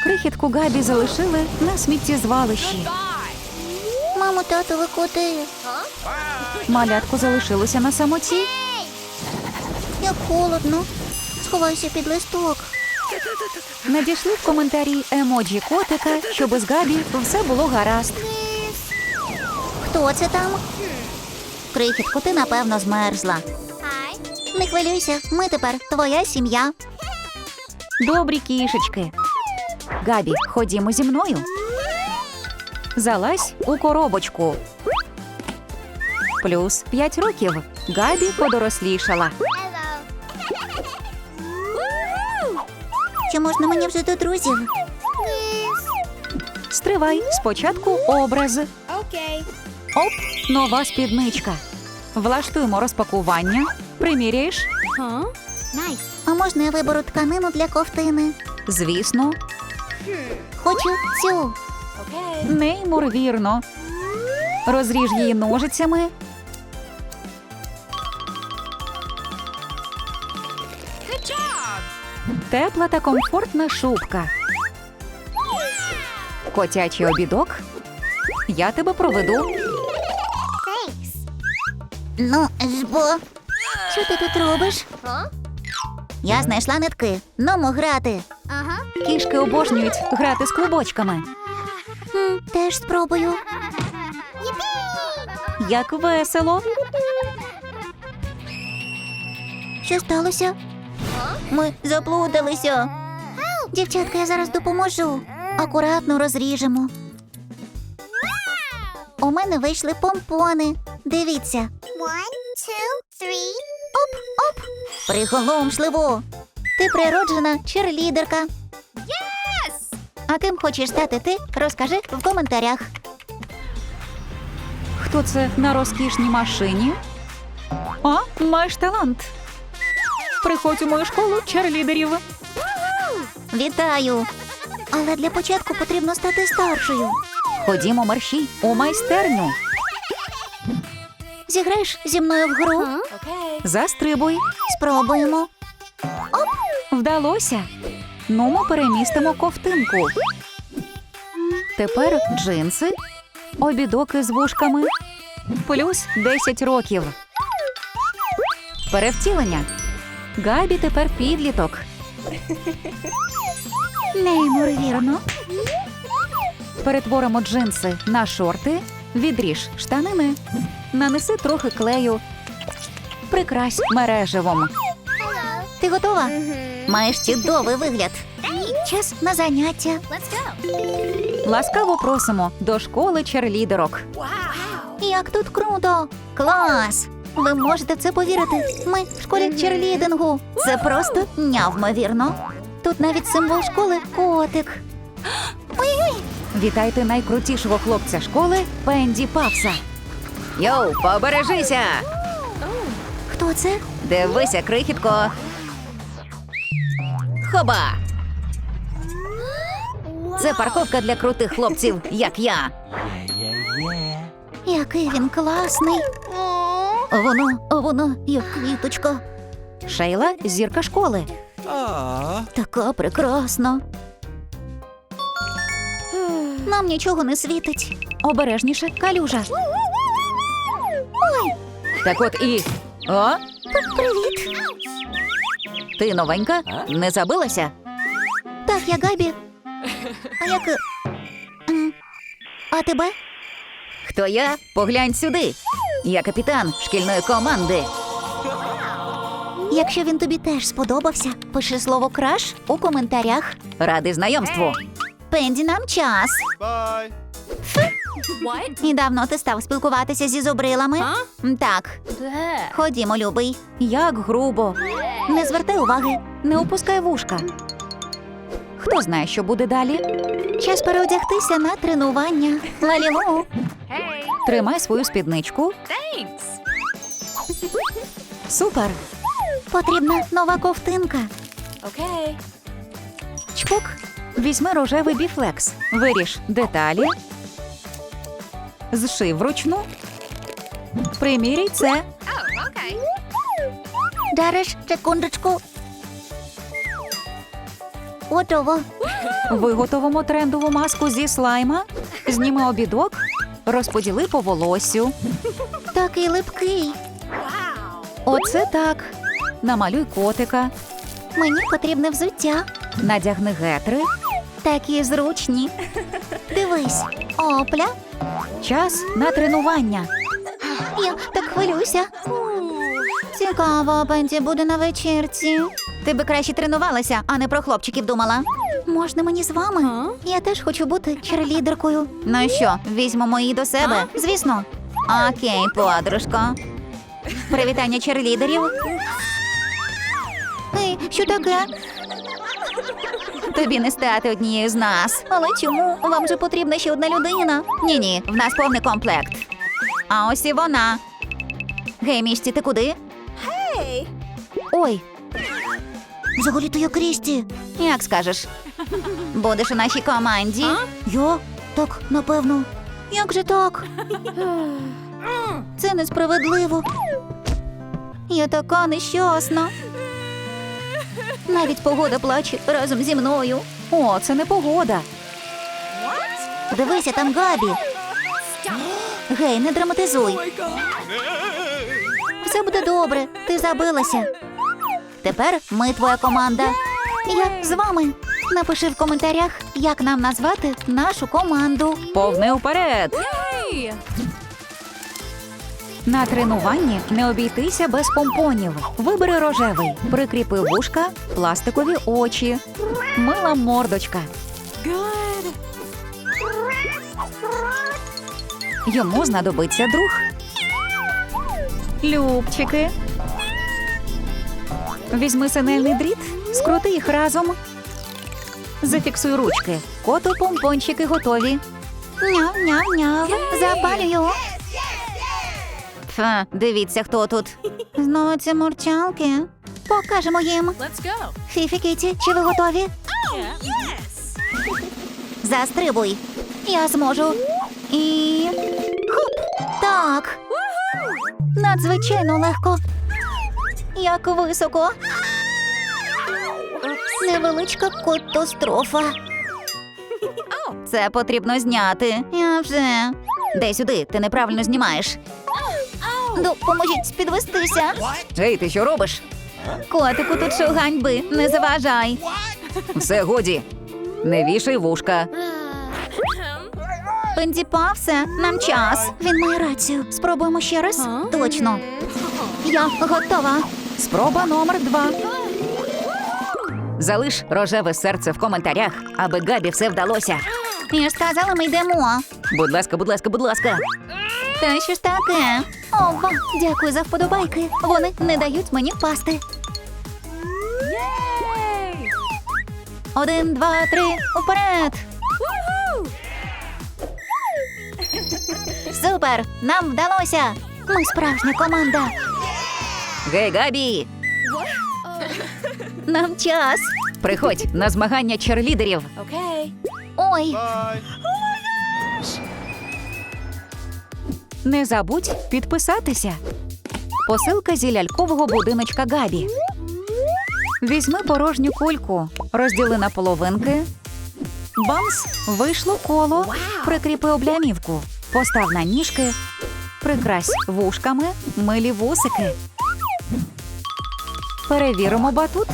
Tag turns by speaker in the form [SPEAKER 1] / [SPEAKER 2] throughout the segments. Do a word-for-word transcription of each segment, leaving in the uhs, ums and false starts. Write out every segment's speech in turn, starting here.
[SPEAKER 1] Крихітку Габі залишили на сміттєзвалищі.
[SPEAKER 2] Мамо, тато, ви куди?
[SPEAKER 1] Малятко залишилося на самоті.
[SPEAKER 2] Як холодно. Сховайся під листок.
[SPEAKER 1] Надійшли в коментарі емоджі котика, щоб з Габі все було гаразд.
[SPEAKER 2] Хто це там? Крихітко, ти, напевно, змерзла. Не хвилюйся, ми тепер твоя сім'я.
[SPEAKER 1] Добрі кішечки. Габі, ходімо зі мною. Залазь у коробочку. Плюс п'ять років. Габі подорослішала.
[SPEAKER 2] Чи можна мені вже до друзів?
[SPEAKER 1] Стривай, спочатку образ.
[SPEAKER 3] Окей.
[SPEAKER 1] Оп, нова спідничка. Влаштуємо розпакування. Приміряєш?
[SPEAKER 3] Huh?
[SPEAKER 2] Найс. А можна я виберу тканину для ковтини?
[SPEAKER 1] Звісно.
[SPEAKER 2] Хочу цю.
[SPEAKER 3] Okay.
[SPEAKER 1] Неймовірно. Розріж її ножицями.
[SPEAKER 3] Good job.
[SPEAKER 1] Тепла та комфортна шубка. Котячий обідок. Я тебе проведу.
[SPEAKER 2] Ну, ж бо. Що ти тут робиш? Я знайшла нитки. Нумо грати. Ага.
[SPEAKER 1] Кішки обожнюють грати з клубочками.
[SPEAKER 2] Хм, теж спробую.
[SPEAKER 1] Як весело.
[SPEAKER 2] Що сталося? Ми заплуталися. Дівчатка, я зараз допоможу. Акуратно розріжемо. У мене вийшли помпони. Дивіться. One, two, three. Оп, оп. Приголомшливо. Ти природжена черлідерка.
[SPEAKER 3] Yes.
[SPEAKER 2] А ким хочеш стати ти? Розкажи в коментарях.
[SPEAKER 1] Хто це на розкішній машині? А, маєш талант. Приходь у мою школу черлідерів.
[SPEAKER 2] Вітаю. Але для початку потрібно стати старшою.
[SPEAKER 1] Ходімо, мерщій, у майстерню.
[SPEAKER 2] Зіграєш зі мною в гру?
[SPEAKER 3] Okay.
[SPEAKER 1] Застрибуй.
[SPEAKER 2] Спробуємо.
[SPEAKER 1] Вдалося. Ну, ми перемістимо ковтинку. Тепер джинси, обідоки з вушками, плюс десять років. Перевтілення. Габі тепер підліток.
[SPEAKER 2] Неймовірно.
[SPEAKER 1] Перетворимо джинси на шорти, відріж штанини, нанеси трохи клею, прикрась мереживом.
[SPEAKER 2] Ти готова? Маєш чудовий вигляд. Час на заняття.
[SPEAKER 3] Let's go.
[SPEAKER 1] Ласкаво просимо до школи черлідерок.
[SPEAKER 3] Wow.
[SPEAKER 2] Як тут круто! Клас! Ви можете в це повірити? Ми в школі черлідингу. Це просто нявмовірно. Тут навіть символ школи – котик. Ой-ой!
[SPEAKER 1] Вітайте найкрутішого хлопця школи Пенді Павса. Йоу, побережися!
[SPEAKER 2] Хто це?
[SPEAKER 1] Дивися, крихітко. Хоба! Це парковка для крутих хлопців, як я.
[SPEAKER 2] Який він класний. Воно, воно, як квіточка.
[SPEAKER 1] Шейла – зірка школи.
[SPEAKER 2] Така прекрасна. Нам нічого не світить.
[SPEAKER 1] Обережніше, калюжа. Так от і... О,
[SPEAKER 2] Привіт.
[SPEAKER 1] ти новенька? Не забилася?
[SPEAKER 2] Так, я Габі. А як... м, А тебе?
[SPEAKER 1] Хто я? Поглянь сюди. Я капітан шкільної команди.
[SPEAKER 2] Якщо він тобі теж сподобався, пиши слово «краш» у коментарях.
[SPEAKER 1] Радий знайомству.
[SPEAKER 2] Пенді, нам час.
[SPEAKER 4] Bye.
[SPEAKER 3] What?
[SPEAKER 2] І давно ти став спілкуватися зі зубрилами?
[SPEAKER 3] А?
[SPEAKER 2] М, Так,
[SPEAKER 3] Bleh.
[SPEAKER 2] ходімо, любий.
[SPEAKER 1] Як грубо.
[SPEAKER 2] Не звертай уваги.
[SPEAKER 1] Не опускай вушка. Хто знає, що буде далі?
[SPEAKER 2] Час переодягтися на тренування. Лалілу.
[SPEAKER 3] Hey.
[SPEAKER 1] Тримай свою спідничку.
[SPEAKER 3] Thanks.
[SPEAKER 1] Супер.
[SPEAKER 2] Потрібна нова ковтинка.
[SPEAKER 3] Okay.
[SPEAKER 1] Чпок. Візьми рожевий біфлекс. Виріж деталі. Зший вручну. Приміряй це.
[SPEAKER 3] Oh, okay.
[SPEAKER 2] Дариш, секундочку. Готово.
[SPEAKER 1] Виготовимо трендову маску зі слайма. Зніми обідок, розподіли по волоссю.
[SPEAKER 2] Такий липкий.
[SPEAKER 1] Оце так. Намалюй котика.
[SPEAKER 2] Мені потрібне взуття.
[SPEAKER 1] Надягни гетри.
[SPEAKER 2] Такі зручні. Дивись. Опля.
[SPEAKER 1] Час на тренування.
[SPEAKER 2] Я так хвилююся. Цікаво, Пенті буде на вечірці. Ти би краще тренувалася, а не про хлопчиків думала. Можна мені з вами? Я теж хочу бути черлідеркою. Ну що, візьмемо її до себе? Звісно. Окей, подружко. Привітання черлідерів. Ей, що таке? Тобі не стати однією з нас. Але чому? Вам же потрібна ще одна людина. Ні-ні, в нас повний комплект. А ось і вона. Гей, Мішці, ти куди?
[SPEAKER 3] Hey.
[SPEAKER 1] Ой,
[SPEAKER 2] Взагалі-то я Крісті.
[SPEAKER 1] як скажеш.
[SPEAKER 2] Будеш у нашій команді. Я? Так, напевно. Як же так? Це несправедливо. Я така нещасна. Навіть погода плаче разом зі мною.
[SPEAKER 1] О, це не погода.
[SPEAKER 2] Дивися, там Габі. Гей, не драматизуй. Все буде добре, ти забилася. Тепер ми твоя команда. Я з вами. Напиши в коментарях, як нам назвати нашу команду.
[SPEAKER 1] Повний уперед.
[SPEAKER 3] Hey.
[SPEAKER 1] На тренуванні не обійтися без помпонів. Вибери рожевий, прикріпи вушка, пластикові очі, мила мордочка.
[SPEAKER 3] Good.
[SPEAKER 1] Йому знадобиться друг. Любчики. Візьми синельний дріт, скрути їх разом. Зафіксуй ручки. Кото-помпончики готові.
[SPEAKER 2] Няв-няв-няв. Запалюю.
[SPEAKER 1] Фа, дивіться, хто тут.
[SPEAKER 2] Знову ці мурчалки. Покажемо їм.
[SPEAKER 3] Let's go.
[SPEAKER 2] Фіфі, Кіті, чи ви готові?
[SPEAKER 3] Yeah. Yes.
[SPEAKER 2] Застрибуй. Я зможу. І... Хоп! Так. Надзвичайно легко. Як високо. Невеличка катастрофа.
[SPEAKER 1] Це потрібно зняти.
[SPEAKER 2] Я вже.
[SPEAKER 1] Дай сюди, ти неправильно знімаєш.
[SPEAKER 2] Допоможіть підвестися.
[SPEAKER 1] Ей, ти що робиш?
[SPEAKER 2] Котику, тут шоу ганьби. Не заважай.
[SPEAKER 1] Все, годі. Не вішай вушка.
[SPEAKER 2] Пенді Павсе, нам час. Він має рацію. Спробуємо ще раз?
[SPEAKER 3] А?
[SPEAKER 2] Точно. Я готова.
[SPEAKER 1] Спроба номер два. Залиш рожеве серце в коментарях, аби Габі все вдалося.
[SPEAKER 2] Я ж сказала, ми йдемо.
[SPEAKER 1] Будь ласка, будь ласка, будь ласка.
[SPEAKER 2] Та що ж таке? Ова, дякую за вподобайки. Вони не дають мені впасти.
[SPEAKER 3] Yay.
[SPEAKER 2] Один, два, три, уперед!
[SPEAKER 3] Woohoo.
[SPEAKER 2] Супер! Нам вдалося! Ми справжня команда.
[SPEAKER 1] Гей, Габі!
[SPEAKER 2] Нам час.
[SPEAKER 1] Приходь на змагання черлідерів.
[SPEAKER 3] Okay.
[SPEAKER 2] Ой,
[SPEAKER 1] Не забудь підписатися. Посилка зі лялькового будиночка Габі. Візьми порожню кульку, розділи на половинки. Бамс! Вийшло коло. Прикріпи облямівку. Постав на ніжки. Прикрась вушками, милі вусики. Перевіримо батут.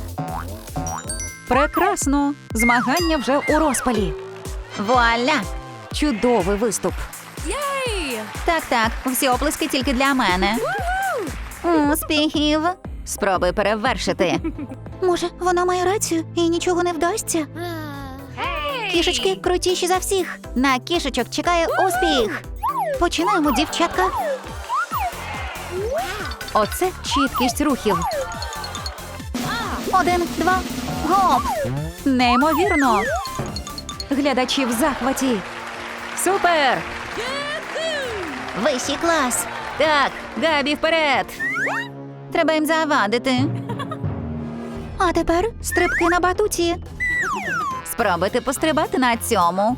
[SPEAKER 1] Прекрасно! Змагання вже у розпалі.
[SPEAKER 2] вуаля!
[SPEAKER 1] Чудовий виступ.
[SPEAKER 3] Yay.
[SPEAKER 2] Так-так, всі оплески тільки для мене. Успіхів!
[SPEAKER 1] Спробуй перевершити.
[SPEAKER 2] Може, вона має рацію і нічого не вдасться?
[SPEAKER 3] Hey.
[SPEAKER 2] Кішечки крутіші за всіх. На кішечок чекає успіх. Починаємо, дівчатка.
[SPEAKER 1] Оце чіткість рухів.
[SPEAKER 2] Один, два, гоп!
[SPEAKER 1] Неймовірно! Глядачі в захваті. Супер!
[SPEAKER 2] Вищий клас.
[SPEAKER 1] Так, Габі, вперед!
[SPEAKER 2] Треба їм завадити. А тепер стрибки на батуті.
[SPEAKER 1] Спробуйте пострибати на цьому.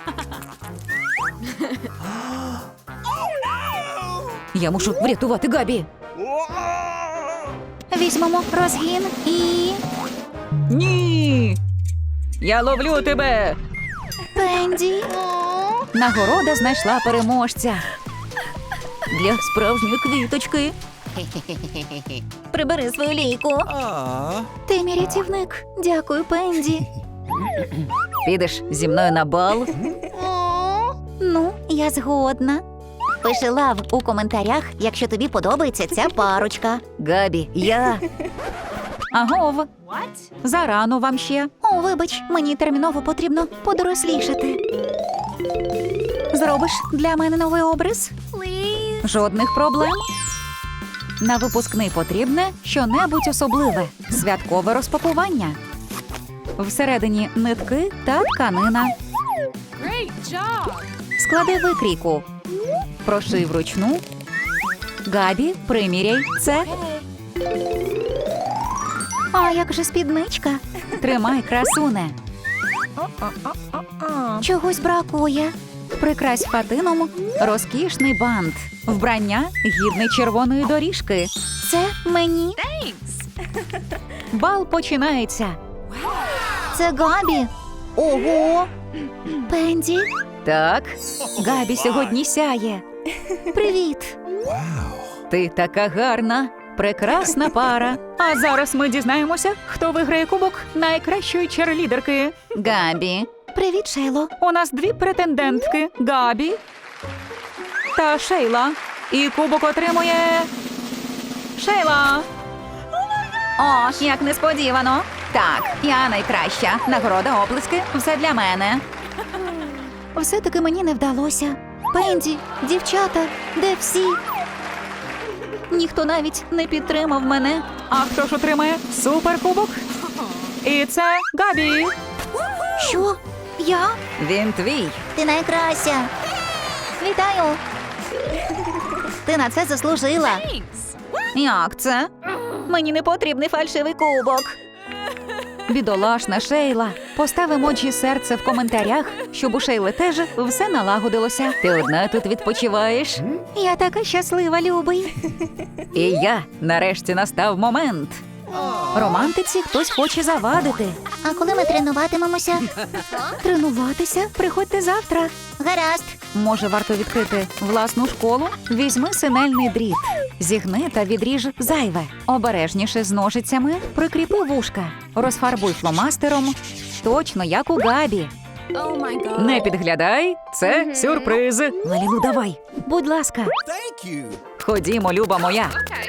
[SPEAKER 1] Я мушу врятувати Габі.
[SPEAKER 2] Візьмемо розгін і...
[SPEAKER 1] Ні! Я ловлю тебе.
[SPEAKER 2] Пенді.
[SPEAKER 1] Нагорода знайшла переможця. Для справжньої квіточки.
[SPEAKER 2] Прибери свою лійку. Ти мій рятівник. Дякую, Пенді.
[SPEAKER 1] Підеш зі мною на бал?
[SPEAKER 2] Ну, я згодна. Пиши лав у коментарях, якщо тобі подобається ця парочка.
[SPEAKER 1] Габі, я. Агов,
[SPEAKER 3] What?
[SPEAKER 1] зарано вам ще.
[SPEAKER 2] О, вибач, мені терміново потрібно подорослішати.
[SPEAKER 1] Зробиш для мене новий образ?
[SPEAKER 3] Please.
[SPEAKER 1] Жодних проблем. На випускний потрібне щонебудь особливе. Святкове розпакування. Всередині нитки та тканина.
[SPEAKER 3] Great job.
[SPEAKER 1] Склади викрійку. Прошив вручну. Габі, приміряй це.
[SPEAKER 2] А як же спідничка?
[SPEAKER 1] Тримай, красуне.
[SPEAKER 2] Чогось бракує.
[SPEAKER 1] Прикрась хатином розкішний бант. Вбрання гідне червоної доріжки.
[SPEAKER 2] Це мені.
[SPEAKER 3] Thanks.
[SPEAKER 1] Бал починається.
[SPEAKER 2] Це Габі. Ого. Пенді.
[SPEAKER 1] Так, Габі сьогодні сяє.
[SPEAKER 2] Привіт.
[SPEAKER 1] Ти така гарна, прекрасна пара. А зараз ми дізнаємося, хто виграє кубок найкращої черлідерки. Габі.
[SPEAKER 2] Привіт, Шейло.
[SPEAKER 1] У нас дві претендентки – Габі та Шейла. І кубок отримує Шейла. О, як несподівано. Так, я найкраща. Нагорода, оплески – все для мене.
[SPEAKER 2] Все-таки мені не вдалося. Пенді, дівчата, де всі?
[SPEAKER 1] Ніхто навіть не підтримав мене. А хто ж отримає суперкубок? І це Габі.
[SPEAKER 2] Що? Я?
[SPEAKER 1] Він твій.
[SPEAKER 2] Ти найкраща. Вітаю. Ти на це заслужила.
[SPEAKER 3] Thanks.
[SPEAKER 1] Як це? Мені не потрібний фальшивий кубок. Бідолашна Шейла. Постав емоджі серце в коментарях, щоб у Шейли теж все налагодилося. Ти одна тут відпочиваєш?
[SPEAKER 2] Я така щаслива, любий.
[SPEAKER 1] І я. Нарешті настав момент. Романтиці хтось хоче завадити.
[SPEAKER 2] А коли ми тренуватимемося?
[SPEAKER 1] Тренуватися? Приходьте завтра.
[SPEAKER 2] Гаразд.
[SPEAKER 1] Може, варто відкрити власну школу? Візьми синельний дріт, зігни та відріж зайве. Обережніше з ножицями, прикріпи вушка, розфарбуй фломастером. Точно, як у Габі.
[SPEAKER 3] Oh my God.
[SPEAKER 1] Не підглядай, це сюрприз. Лалілу, давай. Будь ласка.
[SPEAKER 4] Thank you.
[SPEAKER 1] Ходімо, люба моя.
[SPEAKER 3] Okay.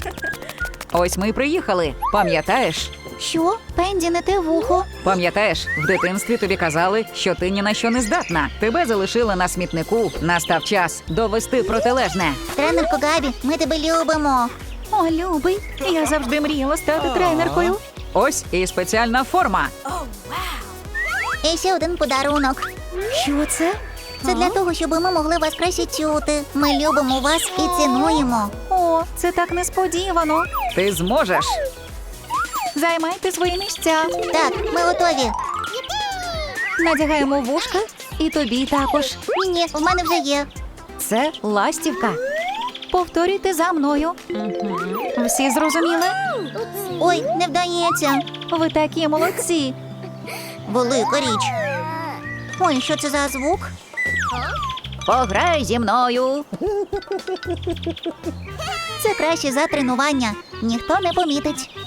[SPEAKER 1] Ось ми й приїхали. Пам'ятаєш?
[SPEAKER 2] Що? Пенді, не те вухо.
[SPEAKER 1] Пам'ятаєш, в дитинстві тобі казали, що ти ні на що не здатна. Тебе залишили на смітнику. Настав час довести протилежне.
[SPEAKER 2] Тренерко Габі, ми тебе любимо.
[SPEAKER 1] О, любий, я завжди мріяла стати тренеркою. Ось і спеціальна форма.
[SPEAKER 2] І ще один подарунок.
[SPEAKER 1] Що це?
[SPEAKER 2] Це для того, щоб ми могли вас краще чути. Ми любимо вас і цінуємо.
[SPEAKER 1] О, це так несподівано. Ти зможеш. Займайте свої місця.
[SPEAKER 2] Так, ми готові.
[SPEAKER 1] Надягаємо вушка і тобі також.
[SPEAKER 2] Ні, в мене вже є.
[SPEAKER 1] Це ластівка. Повторюйте за мною. Всі зрозуміли?
[SPEAKER 2] Ой, не вдається.
[SPEAKER 1] Ви такі молодці.
[SPEAKER 2] Велика річ. Ой, що це за звук?
[SPEAKER 1] Пограй зі мною.
[SPEAKER 2] Це краще за тренування. Ніхто не помітить.